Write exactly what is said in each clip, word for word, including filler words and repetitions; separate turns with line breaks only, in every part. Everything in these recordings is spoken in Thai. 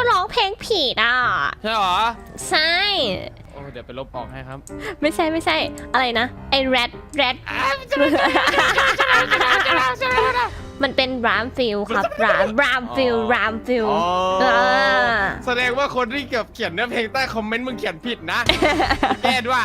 ร้องเพลงผิดอ่ะ
ใช่หรอ
ใช่
โอ้เดี๋ยวไปลบออกให้ครับ
ไม่ใช่ไม่ใช่อะไรนะไอ้แรดแรดมันเป็นรามฟิลครับรามรามฟิลรามฟิล
แสดงว่าคนที่เกือบเขียนเนื้อเพลงใต้คอมเมนต์มึงเขียนผิดนะแก้ด้วย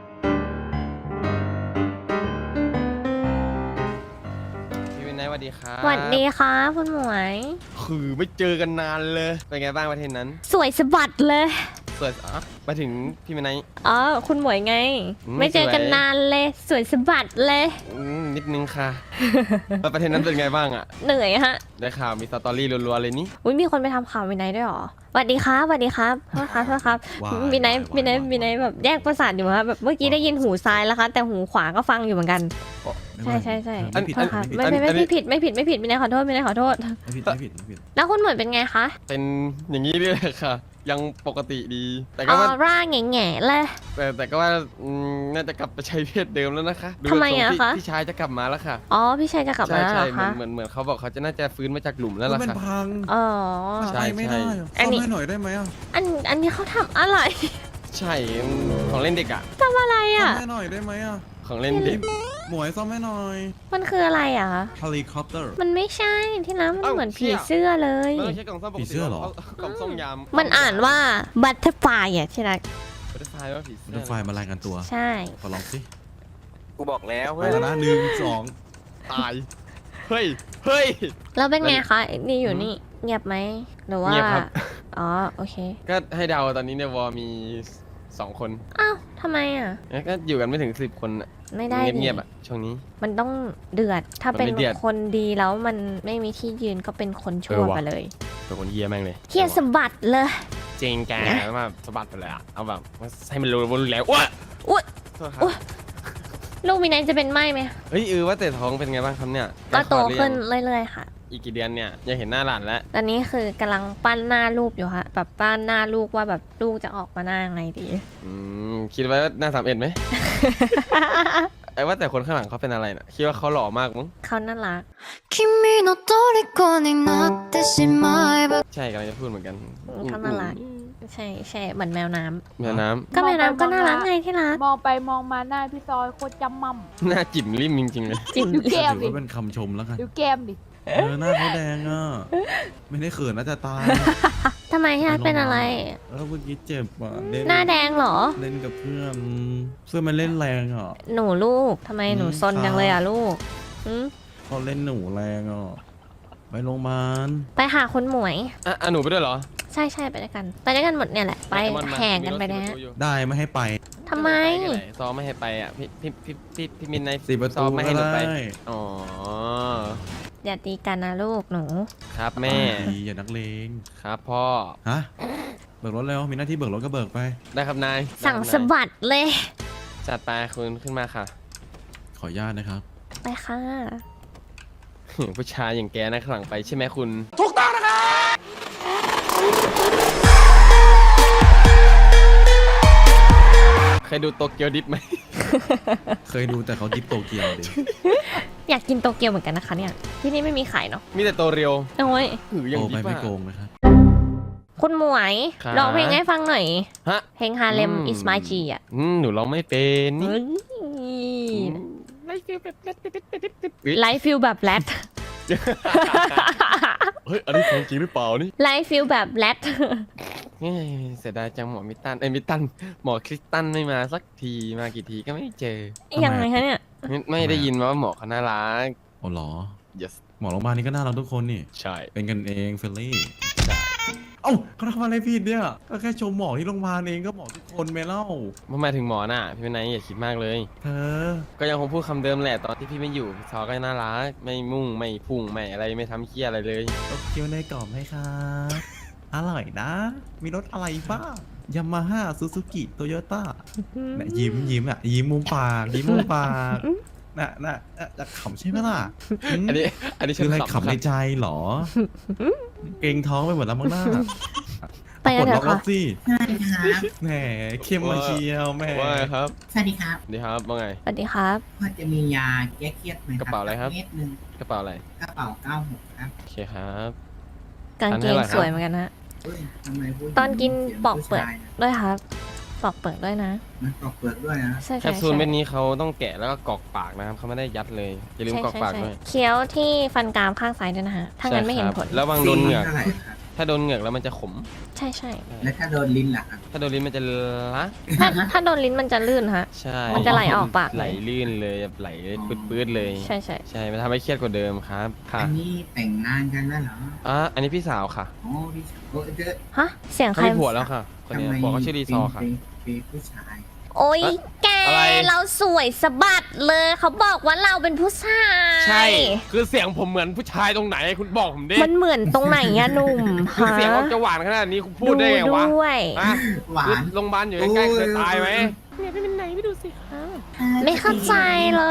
พี่วินัยสวัสดีครับ
สวัสดีค่ะคุณหมวย
คือไม่เจอกันนานเลยเป็นไงบ้างประเทศนั้น
สวยสะบัดเลย
สวยอ๋อมาถึงพี่วินัย
อ๋อคุณหมวยไงไม่เจอกันนานเลยสวยสะบัดเลย
นิดนึงค่ะแล้วประเทศนั้นเป็นไงบ้างอ่ะ
เหนื่อยฮะ
ได้ข่าวมีสตอรี่รัวๆเลยนี่
อุ้ยมีคนไปทำข่าววินัยด้วยหรอสวัสดีครับสวัสดีครับโทษครับโทษครับวินัยวินัยวินัยแบบแยกประสาทอยู่ครับแบบเมื่อกี้ได้ยินหูซ้ายแล้วครับแต่หูขวาก็ฟังอยู่เหมือนกันใช่ใช่ใช่ไม่ไม่ไม่ผิดไม่ผิดไม่ผิดวินัยขอโทษวินัยขอโทษ
ไม่ผิดไม่ผิดไม่ผิด
แล้วคุณหมวยเป็นไงคะ
เป็นอย่างนี้เลยค่ะยังปกติดีแต่ก็
อ
ว่า
อร่าแง่แง่เลย
แต่แต่ก็ว่าน่าจะกลับไปใช้เพศเดิมแล้วนะคะ
ทำไมอะคะ
พี่ชายจะกลับมาแล้วค่ะ
อ๋อพี่ชายจะกลับมาแล้วคะ
เหมือนเหมือนเขาบอกเขาจะน่าจะฟื้นมาจากหลุมแล้วล่ะค่ะ
พัง
อ๋อ
ใช่ไม่ได้อันนี้หน่อยได้ไหมอ่ะ
อันอันนี้เขาทำอะไร
ใช่ของเล่นเด็กอะ
ทำอะไรอะ
ซ่อมให้หน่อยได้ไหมอ่ะ
ของเล่นเด็ก
หมวยซ่อมให้หน่อย
มันคืออะไรอะ
เฮลิคอปเตอร์
มันไม่ใช่ที่น้ำมันเหมือนผีเสื้อเลย
ไม่ใช่กล่องซ่อมปกติผีเสื้อหรอกล่องซ่อมยาม
มันอ่านว่าบัตเตอร์ไฟอ่ะที่รัก
บัตเตอร์ไฟว่าผีเสื้อ
บัตเตอร์ไฟมารายงานตัว
ใช่
ขอลองสิ
กูบอกแล้ว
เฮ้ยนะหนึ่งสอง
ตายเฮ้ยเฮ้ย
เราเป็นไงคะนี่อยู่นี่เงียบไหมหรือว่า
เงียบครับ
อ๋อโอเค
ก็ให้เดาตอนนี้ในวอมีสองคน
อ้าวทำไมอ่ะ
ก็อยู่กันไม่ถึงสิบคน
ไม่ได้
เงียบๆอ่ะช่วงนี้
มันต้องเดือดถ้าเป็นคนดีแล้วมันไม่มีที่ยืนก็เป็นคนชั่วไปเลย
เป็นคนเฮี้ยแม่งเลย
เฮี้ยสะบัดเลย
จริงแกมาสะบัดไปเลยอ่ะเอาแบบให้มันรู้ว่ารู้แล้วอ้ว
อ้วลูกมีนายจะเป็นไหมไหม
เฮ้ยเออว่าแต่ท้องเป็นไงบ้างครับเนี่ย
ก็โตขึ้นเรื่อยๆค่ะ
อีกกี่เดือนเนี่ยอยากเห็นหน้าหลานแล้ว
ตอนนี้คือกำลังปั้นหน้าลูกอยู่ฮะแบบปั้นหน้าลูกว่าแบบลูกจะออกมาหน้าไงดี
อืมคิดไว้ว่าหน้าสามเอ็ดไหมไอ้ว่าแต่คนข้างหลังเขาเป็นอะไรนะคิดว่าเขาหล่อมากมั้ง
เขาน่ารัก
ใช่กำลังจะพูดเหมือนกัน
เขาน่ารักใช่ใช่เหมือนแมวน้ำ
แมวน้ำ
ก็แมวน้ำก็น่ารักไงที่รัก
มองไปมองมาหน้าพี่ซอยโคตรจำมั่ม
หน้าจิ๋มริมจริงๆเลย
จิ๋ม
ดูแก้มดิ
เป็นคำชมแล้วกัน
ดูแก้มดิ
เออหน้าเขาแดงอ่ะไม่ได้เขินน่าจะตาย
ทำไมฮะเป็นอะไร
แล้วเมื่อกี้เจ็บอ่ะ
หน้าแดงเหรอ
เล่นกับเพื่อนเพื่อนมันเล่นแรงอ่ะ
หนูลูกทำไมหนูซนจังเลยอ่ะลูก
เขาเล่นหนูแรงอ่ะไปโรงพยาบาล
ไปหาคุณหมวย
อ่ะหนูไปด้วยเหรอ
ใช่ใช่ไปด้วยกันไปด้วยกันหมดเนี่ยแหละไปแข่งกันไปนะ
ได้ไม่ให้ไป
ทำไม
ซ้อมไม่ให้ไปอ่ะพี่พี่พี่พี่พี่มินใน
สี่ประตู
ไม่ให้หนูไปอ๋อ
อย่าตีกันนะลูกหนู
ครับแม่
อย่านักเลง
ครับพ่อ
ฮะเบิกรถแล้วมีหน้าที่เบิกรถก็เบิกไป
ได้ครับนาย
สั่งสะบัดเลย
จัดไปคุณขึ้นมาค่ะ
ขออนุญาตนะครับ
ไปค่ะ
ผู้ชายอย่างแกนะข้างหลังไปใช่ไหมคุณ
ถูกต้องนะครับ
เคยดูโตเกียวดิฟไหม
เคยดูแต่เขาดิฟโตเกียวดิ
อยากกินโตเกียวเหมือนกันนะคะเนี่ยที่นี่ไม่มีขายเนาะ
มีแต่โตเรียว
โอ้ย
หือยังดิฟ
ไม่โกงนะครับ
คุณหมวยร้องเพลงให้ฟังหน่อย
ฮะ
เพลงฮาเลมอิสมาจีอ่ะ
หนูร้องไม่เป็น
ไลฟ์ฟิลแบบแรดไลฟ์ฟิลแบบแรด
เฮ้ยอันนี้ของจริงหรือเปล่านี่
ไลฟ์ฟิลแบบแรด
เสียดายจังหมอมิตันเอ้มิตันหมอคริสตันไม่มาสักทีมากี่ทีก็ไม่เจอ
ยังไงคะเนี่ย
ไม่ได้ยินมาว่าหมอเขาน่ารัก
อ๋อเหรอ
yes
หมอโรงพยาบาลนี้ก็น่ารักทุกคนนี่
ใช่
เป็นกันเองเฟลลี่ใช่เอ้าเขาทำอะไรผิดเนี่ยก็แค่ชมหมอที่โรงพยาบาลเองก็หมอทุกคนไม่เล่า
ไม่หมายถึงหมอน่ะพี่เป็นไงอย่าคิดมากเลย
เธอ
ก็ยังคงพูดคำเดิมแหละตอนที่พี่ไม่อยู่ซอก็น่ารักไม่มุ่งไม่พุ่งไม่อะไรไม่ทำเคี้ยอะไรเลย
เกี๊ยวในกรอบไหมครับอร่อยนะมีรสอะไรบ้างยามาฮ่าซูซูกิโตโยต้าเนี่ยยิ้มยิ้มอ่ะยิ้มมุมปากยิ้มมุมปากน่ะน่ะจะขำใช่ไหมล่ะ
อันนี้อันนี้
คืออะไรขำในใจหรอเกรงท้องไปหมดแล้วมั้งหน้า
ไปกันเถอะค่ะ
สิใช่ครับแหมเข้มมาเชียวแม่
ว่าไงครับ
สวัสดีครับ
สวัสดีครับว่าไง
สวัสดีครับ
พอจะมียาแก้เครียดไหมครับ
กระเป๋าอะไรครับ
เม็ดนึง
กระเป๋าอะไร
กระเป๋าเก้าหกครับ
โอเคครับ
กางเกงสวยเหมือนกันนะ
เฮ้ยทำไมผู้หญิง
ตอนกิน
สียง
ปอกเปลือก
ผู้ชายะ
ด้วยครับปอกเปลือกด้วยนะ
มันปอกเปลือกด้วยนะ
ใช่
แค
ใช่
ปซูล
ใช่
เม็ดนี้เขาต้องแกะแล้วก็กรอกปากนะครับเขาไม่ได้ยัดเลยอย่าลืม
ใช่
กรอก
ใช่
ปาก
ใช่
ด้วย
เคี้ยวที่ฟันกรามข้างซ้ายด้วยนะฮะถ้างั้นไม่เห็นผล
ใช่ครับระวังโดนเหงือก
เท่าไหร่ครับ
ถ้าโดนเหงือกแล้วมันจะขม
ใช่ใช่
แล้วถ้าโดนลิ้นล่ะครับ
ถ้าโดนลิ้นมันจะละ
ถ้าถ้าโดนลิ้นมันจะลื่นฮะ
ใช่
มันจะไหลออกปาก
ไหลลื่นเลยแบบไหลปื๊ดๆเลย
ใช่ใช่
ใช่มันทำให้เครียดกว่าเดิมครับค่ะ
อันนี้แต่งงานกันแล้วเหรอ
อ่ะอันนี้พี่สาวค่ะ
โอ้พี่สาวโอ้เจอ
ฮะเสียงใค
เขา
ร
มีผัวแล้วค่ะคนนี้บอกว่าชื่อรีซอร์ค่ะ
เป็นเป็นผู้ชาย
โอ้ย
เอ๊ะ
แก
อะไร
เราสวยสะบัดเลยเขาบอกว่าเราเป็นผู้ชาย
ใช่ คือเสียงผมเหมือนผู้ชายตรงไหนคุณบอกผมดิ
มันเหมือนตรงไหนอะหนุ่ม
คือ
ฮะ
เสียงออกจะหวานขนาดนี้คุณพูดได้ไงวะ
ด้วย
อ่ะ
หวาน
โรงพยาบาลอยู่ใกล้ๆเคยตายไหม
เนี่ยไปเป็นไหนไปดูสิคะไม่เข้าใจเลย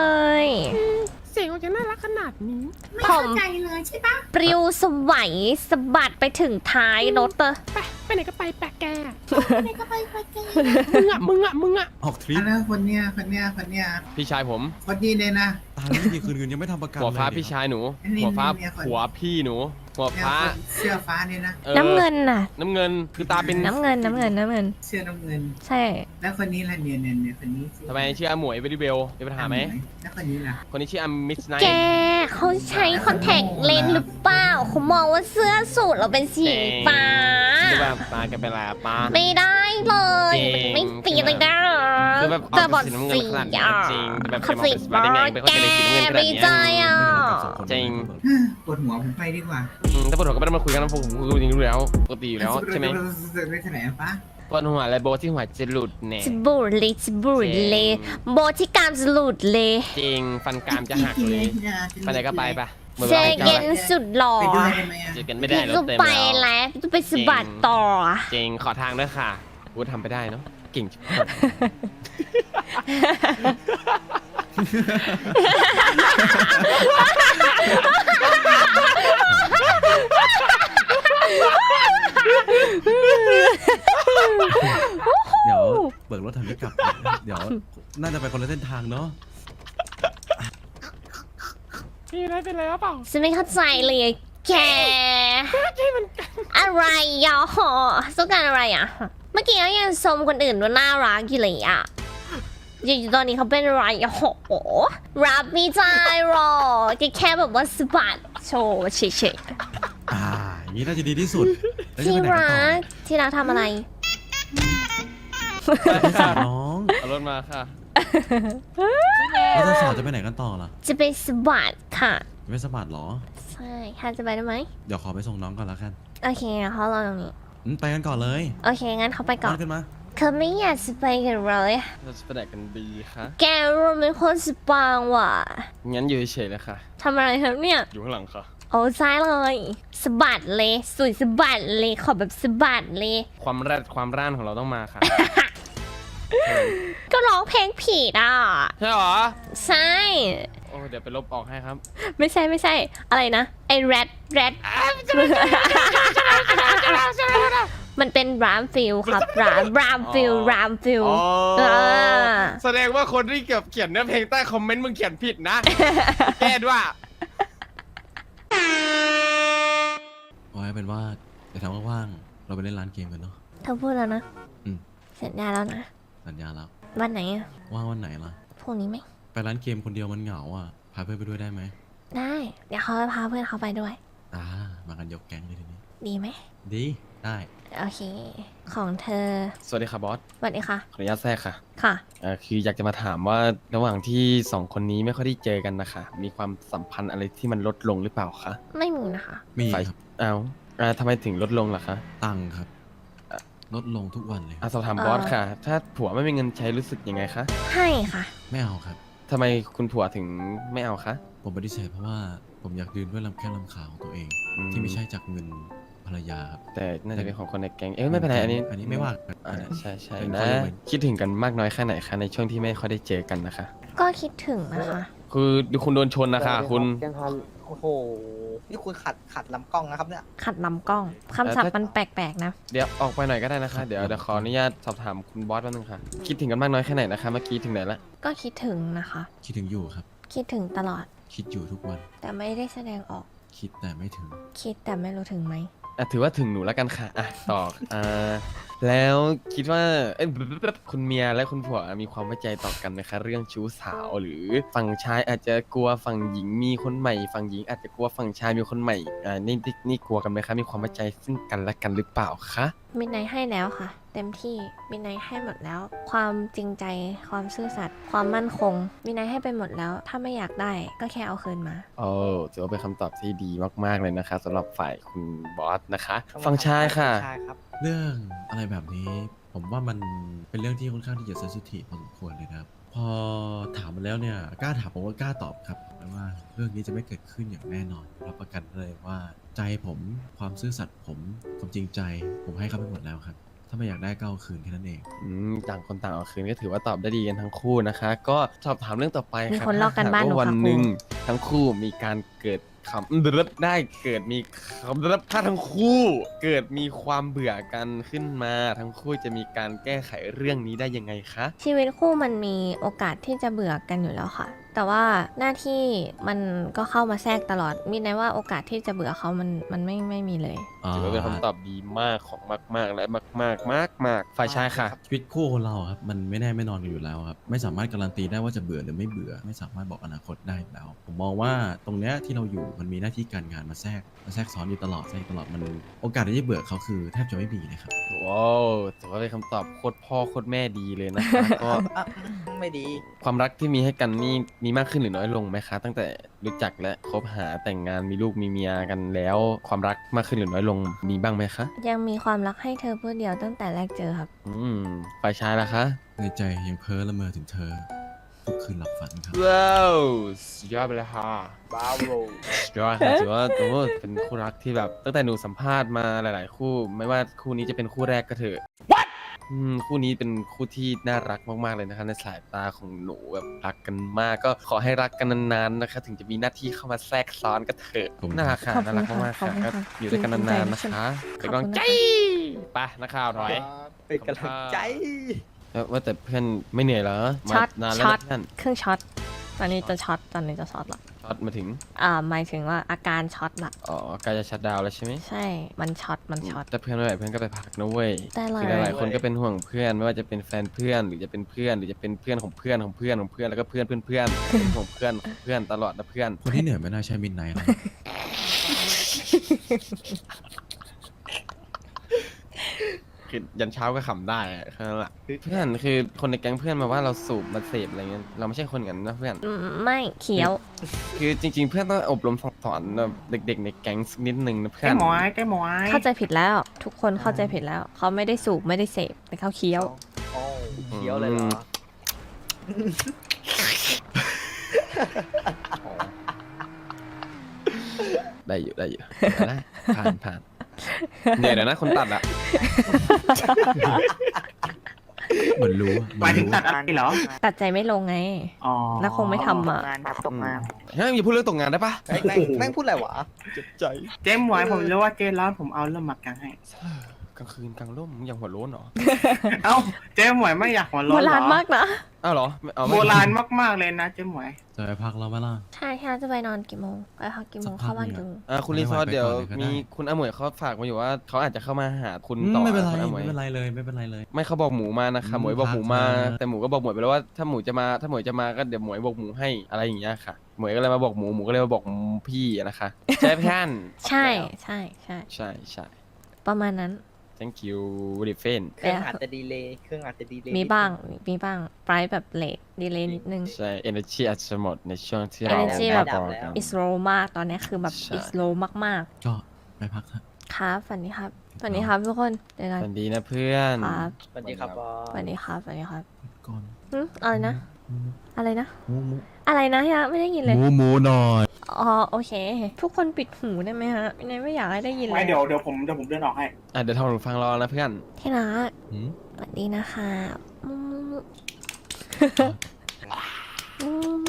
เสียงออกจะน่ารักขนาดนี้
ไม่เข้าใจเลยใช่ปะ
ปลิวสวัยสะบัดไปถึงท้ายรถเตอร์
ไปไปไหนก็ไปแปะแก
ไหนก็ไปไปกัน
มึงอ่ะมึงอ่ะมึงอ่ะ
ออกทริป
อันนั้นคนเนี้ยคนเนี้ยคนเนี้ย
พี่ชายผม
คนนี้เลยนะ
ตายไม่มีคืนเงินยังไม่ทำประกัน
หัวฟ้า
เลย
พี่ชายหนู
อันนี้
หัวฟ้า
เนี่ยคน
หัวพี่หนู หัว
เนี่ย
ฟ้า
คนเสื้อฟ้าเนี่ยนะ
ออ
น้ำเงินน่ะ
น้ำเงินคือตาเป็น
น้ำเงินน้ำเงินน้ำเงิน
เสื้อน้ำเงิน
ใช่
แล้วคนนี้ล่ะเนี่ยเนี่ยเนี่ยคนนี้ชื่อ
ทำไมชื่ออาหมวยเวดิเบลมีปัญหาไหม
แล้วคนนี้ล่ะ
คนนี้ชื่ออามิสไน
แกเขาใช้คอนแทคเลนส์หรือเปล่าเขามองว่าเสื้อสูทเราเป็นสีฟ้า
คือแบบตาแกเป็นอะไรอะตา
ไม่ได้เลย
จริง
ไม่ปีเลยนะ
คือแบบ
แต่บอด
สีน้ำเงิน
สี
ขนาดนี้
อ่ะ
จริงแบบ
เขา
แก
สี
มองเป็นสีฟ้าได้ไงเป็นคน
แก
จะได้สีน้ำเงินขนาด
ไม่
นี้
ใจอ่ะ
จริง
ปวดหัวผมไปดีกว่า
อืมถ้าปวดหัวก็ไม่ต้องมาคุยกันนะผมผมคุยจริงๆรู้แล้วปกติอยู่แล้วใช่ไหม
ไม่ขนาดนั้นปะ
ปวดหัวอะไรโบทที่หัวจะหลุดเนี่ย
จะบูดเลยจะบูดเลยโบที่กรามจะหลุดเลย
จริงฟันกรามจะหักเลยไปไหนก็ไปปะหมด
เจ
วลาให้
เย็นสุดหล่อ
ไปด้วยได้ไหมอะ
เจอกันไม่ได้รถ
ก็
เต็ม
ไป
แล้ว
แล้วจะไปสะบัดต่อ
จริงขอทางด้วยค่ะกูทำไปได้เนาะเก่งชิบหาย
เดี๋ยวเบิกรถทันไม่กลับ เดี๋ยวน่าจะไปคนละเส้นทางเนาะ
พี่ได้เป็นไรหรือเปล่า
ฉันไม่เข้าใจเลยแกอะไรอ่ะหอต้องการอะไรอ่ะ เมื่อกี้ก็ยังชมคนอื่นว่าน่ารักอยู่เลยอ่ะอยู่ๆตอนนี้เขาเป็นอะไรอ่ะโหรับไม่ได้หรอกแค่แค่แบบว่าสะบัดโชว์เฉย
อ่าอย่างนี้น่าจะดีที่สุดแล้ว
ๆ
จะ
ที่
ไปไหนกัน
รั
ต่อก
ที่รักทำอะไร
พี่สาวน้อง
เอารถมาค่ะ
แล้วสาวๆจะไปไหนกันต่อล่ะ
จะไปสะบัดค่ะ
ไม่สมัครหรอ
ใช่ค่ะจะไปได้ไหม
เดี๋ยวขอไปส่งน้องก่อนแล้วกัน
โอเคเขารอตรงนี้
อืมไปกันก่อนเลย
โอเคงั้นเขาไปก่อน
ขึ้นมา
เขาไม่อยากจะไปกันเลย
เราจะไปไหนกันดีคะ
แกเราเป็นคนสปางว่ะ
งั้นอยู่เฉยๆเลยค่ะ
ทำอะไรครับเนี่ย
อยู่ข้างหลังค่ะ
โอ้ใช่เลยสะบัดเลยสวยสะบัดเลยขอแบบสะบัดเลย
ความแรดความร่านของเราต้องมาค่ะ
ก็ร้องเพลงผิดอ่ะ
ใช่หรอ
ใช่
โอ้เดี๋ยวไปลบออกให้ครับ
ไม่ใช่ไม่ใช่ อะไรนะไอ้แรดแรดมันเป็นรามฟิลครับรามรามฟิล
อ๋อ
รามฟิล
อ๋อ
อ่า
แสดงว่าคนที่เก็บเขียนเนื้อเพลงใต้คอมเมนต์มึงเขียนผิดนะ แก้ด้วย
เอาไว้เป็นว่าเดี๋ยวทำว่างๆเราไปเล่นร้านเกมกันเนาะ
เธอพูดแล้วนะ
อืม
สัญญาแล้วนะ
สัญญาแล้ว
วันไหนอะ
ว่างวันไหนล่ะ
พรุ่งนี้ไหม
ไปร้านเกมคนเดียวมันเหงาอ่ะ พาเพื่อนไปด้วยได้ไหม
ได้ เดี๋ยวเขาจะพาเพื่อนเขาไปด้วย
อ่า มากันยกแก๊งเลยทีนี้
ดีไหม
ดี ได้
โอเค ของเธอ
สวัสดีค่ะบอส
สวัสดีค่ะ
ขออนุญาตแทรกค่ะ
ค่ะ
เอ่อคืออยากจะมาถามว่าระหว่างที่สองคนนี้ไม่ค่อยได้เจอกันนะคะ มีความสัมพันธ์อะไรที่มันลดลงหรือเปล่าคะ
ไม่มีนะคะ
มี
ฝ่าย
ครับ
อ้าวอ่าทำไมถึงลดลงล่ะคะ
ตังค์ครับ ลดลงทุกวันเลย
อ่ะสอบถาม
เอ่อ
บอสค่ะ ถ้าผัวไม่มีเงินใช้รู้สึกยังไงคะ
ให้ค่ะ
ไม่เอาครับ
ทำไมคุณผัวถึงไม่เอาคะ
ผมปฏิเสธเพราะว่าผมอยากดื่นด้วยลำแข้งลำขาของตัวเอง
อืม
ที่ไม่ใช่จากเงินภรรยาครับ
แต่น่าจะเป็นของคนในแก๊ง เอ้ยไม่เป็นไรอันนี้
อันนี้ไม่ว่ากัน
อ่าใช่ใช่
เป็น
นะ
ข้อยกเว้น
คิดถึงกันมากน้อยแค่ไหนคะในช่วงที่ไม่ค่อยได้เจอกันนะคะ
ก็คิดถึงนะคะ
คือดูคุณโดนชนนะคะ คุณ
ยังทันโอ้โห นี่คุณขัดขัดลำกล้องนะครับเนี่ย
ขัดลำกล้องคำศัพท์มันแปลกๆนะ
เดี๋ยวออกไปหน่อยก็ได้นะคะ เดี๋ยวเดี๋ยวขออนุญาตสอบถามคุณบอสแป๊บนึงค่ะ คิดถึงกันมากน้อยแค่ไหนนะคะ เมื่อกี้ถึงไหนละ
ก็คิดถึงนะคะ
คิดถึงอยู่ครับ
คิดถึงตลอด
คิดอยู่ทุกวัน
แต่ไม่ได้แสดงออก
คิดแต่ไม่ถึง
คิดแต่ไม่รู้ถึงไหม
อ่ะถือว่าถึงหนูแล้วกันค่ะอ่ะต่ออ่าแล้วคิดว่าเอ้ยคุณเมียและคุณผัวมีความไว้ใจต่อกันไหมคะเรื่องชู้สาวหรือฝั่งชายอาจจะกลัวฝั่งหญิงมีคนใหม่ฝั่งหญิงอาจจะกลัวฝั่งชายมีคนใหม่อ่านี่นี่นี่กลัวกันไหมคะมีความไว้ใจซึ่งกันและกันหรือเปล่าคะ
มินไนให้แล้วค่ะ เต็มที่มินไนให้หมดแล้ว ความจริงใจความซื่อสัตย์ความมั่นคงมินไนให้ไปหมดแล้ว ถ้าไม่อยากได้ก็แค่เอาคืนมา
โอ้ถือว่าเป็นคำตอบที่ดีมากๆเลยนะคะสำหรับฝ่ายคุณบอสนะคะฝั่งชายค่ะ
ใช่ครับ
เรื่องอะไรแบบนี้ ผมว่ามันเป็นเรื่องที่ค่อนข้างที่จะเซนซิทีฟพอสมควรเลยนะครับ พอถามมาแล้วเนี่ยกล้าถามผมว่ากล้าตอบครับแต่ว่าเรื่องนี้จะไม่เกิดขึ้นอย่างแน่นอนรับประกันเลยว่าใจผมความซื่อสัตย์ผมความจริงใจ ผมให้เขาไปหมดแล้วครับ ถ้าไม่อยากได้ก็เอาคืนแค่นั้นเอง
อืมต่างคนต่างเอาคืนก็ถือว่าตอบได้ดีกันทั้งคู่นะคะ ก็สอบถามเรื่องต่อไป
มี
ค่ะ
คนลอกกันบ้านหนู
ถ้ห
ค่ะ
วันหนึ่งทั้งคู่มีการเกิดคำได้เกิดมีคำถ้าทั้งคู่เกิดมีความเบื่อกันขึ้นมา ทั้งคู่จะมีการแก้ไขเรื่องนี้ได้ยังไงคะ
ชีวิตคู่มันมีโอกาสที่จะเบื่อกันอยู่แล้วค่ะ แต่ว่าหน้าที่มันก็เข้ามาแทรกตลอดมินไนว่าโอกาสที่จะเบื่อเขามันมันไม่ไม่มีเลย
ถือว่าเป็นคำตอบดีมากของมาก ๆ และมากๆมากมากๆฝ่ายชายค่ะ
ชีวิตคู่คนเราครับมันไม่แน่ไม่นอนกันอยู่แล้วครับไม่สามารถการันตีได้ว่าจะเบื่อหรือไม่เบื่อ ไม่สามารถบอกอนาคตได้อยู่แล้ว ผมมองว่าตรงเนี้ยที่เราอยู่มันมีหน้าที่การงานมาแทรกมาแทรกซ้อนอยู่ตลอดแทรกตลอดมันโอกาสที่จะเบื่อเขาคือแทบจะไม่มีเลยครับ
ว้าวถือว่าเป็นคำตอบโคตรพ่อโคตรแม่ดีเลยนะคะ ก็
อ่ะไม่ดี
ความรักที่มีให้กันนี่มีมากขึ้นหรือน้อยลงไหมคะ ตั้งแต่รู้จักและคบหาแต่งงานมีลูกมีเมียกันแล้ว ความรักมากขึ้นหรือน้อยลงมีบ้างไหมคะ
ยังมีความรักให้เธอเพื่อเดียวตั้งแต่แรกเจอครับ
อืมฝ่ายชายล่ะคะ
ในใจยังเพ้อละเมอถึงเธอทุกคืนหลับฝันครับ
ว้าวสุดยอดไปเลยค่ะ
บาโว
สุดยอดค่ะถือว่าโอ้โหเป็นคู่รักที่แบบตั้งแต่หนูสัมภาษณ์มาหลาย ๆ คู่ ไม่ว่าคู่นี้จะเป็นคู่แรกก็เถอะอืมคู่นี้เป็นคู่ที่น่ารักมากๆเลยนะคะในสายตาของหนูแบบรักกันมากก็ขอให้รักกันนานๆนะคะถึงจะมีหน้าที่เข้ามาแทรกซ้อนก็เถอะ
ขอบคุณ
น่ารักค่ะ
ขอบคุณ
น่ารักมากๆ
ขอบ
ค่ะ
คุณ
ก็
ค่ะ
อยู่ด้วยกันนานๆนะคะ
ข
เป็น
อบ
กำลัง
คุณ
ใจ
นะคะ
ไปนักข่าวถอย
เป็นกำลังใจ
แล้วว่าแต่เพื่อนไม่เหนื่อยเหรอ
ช็อต
มานานแล้ว
ช็อต
นะเพื่อน
เครื่องช็อต ตอนนี้จะช็อต ตอนนี้จะช็อตละ
ช็อตมาถึง
อ่า หมายถึงว่าอาการช็อตละ
อ๋อใกล้จะชัดดาวน์แล้วใช่ไหม
ใช่ มันช็อต มันช็อต
แต่เพื่อนไม่ไหวเพื่อนก็ไปพักนะเว้ย
ได้เลย
คือหลายๆคนก็เป็นห่วงเพื่อนไม่ว่าจะเป็นแฟนเพื่อนหรือจะเป็นเพื่อนหรือจะเป็นเพื่อนของเพื่อนของเพื่อนของเพื่อนแล้วก็เพื่อนเพื่อนเพื่อนเป็นห่วงเพื่อนของเพื่อนตลอดนะเพื่อน
คนที่เหนื่อยไม่น่าใช่มินไนท์นะ
คือยันเช้าก็ขำได้อะแค่นั้นแหละเพื่อนคือคนในแก๊งเพื่อนมาว่าเราสูบมาเสพอะไรเงี้ยเราไม่ใช่คนอย่างนั้นนะเพื่อน
อืมไม่เขียว
คือจริง ๆ เพื่อนต้องอบรมสั่งสอนแบบเด็ก ๆ ในแก๊งสักนิดนึงนะเพื่อ
แก้
น
หมอยแก้หมอย
เข้าใจผิดแล้ว ทุกคนเข้าใจผิดแล้ว เขาไม่ได้สูบไม่ได้เสพแต่เขาเคี้ยว
โอ้เขียวเลยเหรอ
ได้อยู่ได้อยู่ได้ผ่านผ่านเหนื่อยแล้วนะคนตัดอะ
เหมือนรู้อะเห
ห
มื
มา
อย น
ถึง
รู้
ตัดอะไรเหรอ
ตัดใจไม่ลงไง
อ๋อ
แล้วคงไม่ทำอ่ะ
ตกงาน
เฮ้ยอย่าพูดเรื่องตกงานได้ปะ
แม่งแม่งแม่งพูดอะไรวะ
เจ็บใจ
เจ๊หมวยผมรู้ว่าเจ๊ร้อนผมเอาเริ่มหมักกันให้
กลางคืนกลางร่มมึงยังหัวโล้นเหรอ
เอ้าเจ๊หมวยไม่อยากหัว
โบ
ร้อนเหร
รา
อ
ณมากนะ
อ้าวเหรอไม่เอาไม่
โบราณมากๆเลยนะเจ๊หมวย
จะไปพักเราไหมล่ะ
ใช่ใช่จะไปนอนกี่โมง ไปพักกี่โมง
สักพัก
เข้าบ้าน
หนึ่
กี่
ง
โมง
อ่าคุณรีซอร์
ไม่ไหว
เดี๋ยว
ไปก่อนเลยก็ได้
มีคุณอาหมวยเขาฝากมาอยู่ว่าเขาอาจจะเข้ามาหาคุณ
อืม
ต่อ
ไม่เป็นไร
คุณอาหมวย
ไม่เป็นไรเลยไม่เป็นไรเลย
ไม่เขาบอกหมูมานะคะ
อืม
หมวยบอกหมูมา
ครับ
แต่หมูก็บอกหมวยไปแล้วว่าถ้าหมูจะมาถ้าหมวยจะมาก็เดี๋ยวหมวยบอกหมูให้อะไรอย่างเงี้ยค่ะ หมวยก็เลยมาบอกหมูหมูก็เลยมาบอกพี่นะคะใช่ไหมพี่ท่าน
ใช่ใช่ใช่
ใช่ใช่
ประมาณนั้น
thank you very f r i e n
เครื่องอาจจะดีเลย์เครื่องอาจจะดีเลย์
มีบ้าง มีบ้างไ r ร์แบบเลทดีเลย์นิดนึง
ใช่ energy อาจจะหมดในช่วงที่เรา
energy แบบ
บอกกัน
is low มาก ตอนนี้คือแบบ
ใช่
is low มาก
ก็ไปพักเถอะ
ๆ ครับฝันดีครับฝันดีครับทุกคนเจอกัน
สวัสดีนะเพื่อน
ครับ
สวัสดีครับบอส
ฝันดีครับฝันดีครับ
ก่อน
หึอะไรนะ อะไรนะ
หมูหมู
อะไรนะยะไม่ได้ยินเลย
หมูหมูหน่อย
อ๋อโอเค ทุกคนปิดหูได้ไหมฮะไม่ไม่อยากให้ได้ยินเล
ไม่
ย
เดี๋ยวเดี๋ยวผมเดี๋ยวผมเดินออกให้
อ่ะเดี๋ยวทำหนูฟังรอนะเพื่อน
ที่รัก
หืม
สวัสดีนะคะมุมุมุมุมุ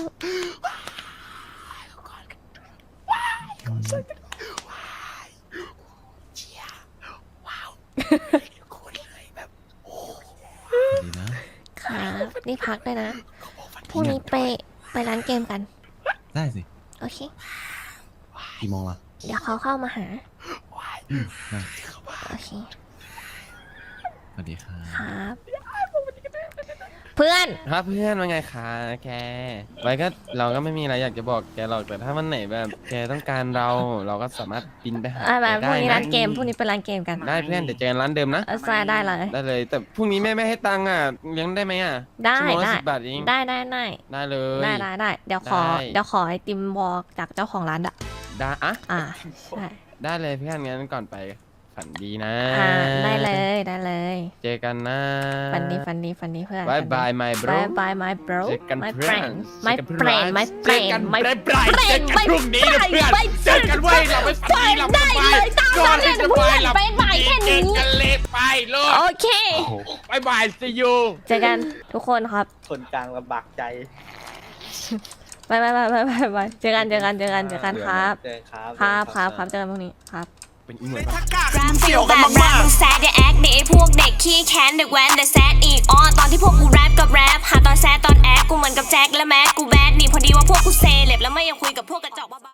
ดีนะ
ครับนี่พักด้วยนะพรุ่งนี้ไปไปร้านเกมกัน
ได้สิ
โอเค
กี่โมงล่ะ
เดี๋ยวเขาเข้ามาหาโอเค
สวัสดีครับ
ครับ เพื่อน
ครับเพื่อนว่าไงคะแกไว้ก็เราก็ไม่มีอะไรอยากจะบอกแกหรอกแต่ถ้าวันไหนแบบแกต้องการเราเราก็สามารถบินไปหา
อ่ะ
แก
มาพ
ได้
รุ่งนี้
นะ
ร้านเกมพรุ่งนี้เป็นร้านเกมกัน
ได้เพื่อนเดี๋ยวเจอกันร้านเดิมนะ
เออใช่ได้เลย
ได้เลย แต่พรุ่งนี้แม่ไม่ให้ตังค์อ่ะเลี้ยงได้ไหมอ่ะ
ได้
ชั่วโมงละ
ได้
สิบบาทเอง
ได้ได้ได้
ได้เลย
ได้ได้ได้เดี๋ยวขอ
ได้
เดี๋ยวขอไอติมบอกจากเจ้าของร้านอะ
ได้อะ
อ่าได้
ได้เลยเพื่อนงั้นก่อนไปฝันดีนะ
อ่าได้เลยได้เลย
เจอกันนะ
ฟันดีฟันดีฟันดีเพื่อน
บายบาย my bro
บายบาย my bro
เจอกัน
my
เพื่อน
friend my
เจอกัน
friend my
เจอกัน
friend my
friend friend เจอกัน
friend
พรุ่งนี้นะเพื่อน
my
เจอกันเว้ยเราไปฝันดีหลับส
ได้
บาย
เลยตาม
นอนให้
นั้น
ส
เพื่
บา
อย น
หลับ
บ๊ายบายแค่
เจ
นี้
อกันเลยไปลูก
โอเค
บายบาย see you
เจอกันทุกคนครับ
คนกลางลำบากใจ
บายบายบายบายบายบายเจอกันเจอกันเจอกันเจอกันครับ
เจอครับ
ครับครับครับเจอกันพรุ่งนี้ครับ
เป็นอีเหมือน
แรปฟิลแบบแรปมึงแซดอย่าแอคดิไอ้พวกเด็กขี้แค้นเด็กแว้นแต่แซดอีกอ้อตอนที่พวกกูแรปกับแรปหาตอนแซดตอนแอคกูเหมือนกับแจ็คและแม็กกูแบดนี่พอดีว่าพวกกูเซเลบแล้วไม่อยากคุยกับพวกกระจอกบ้าๆ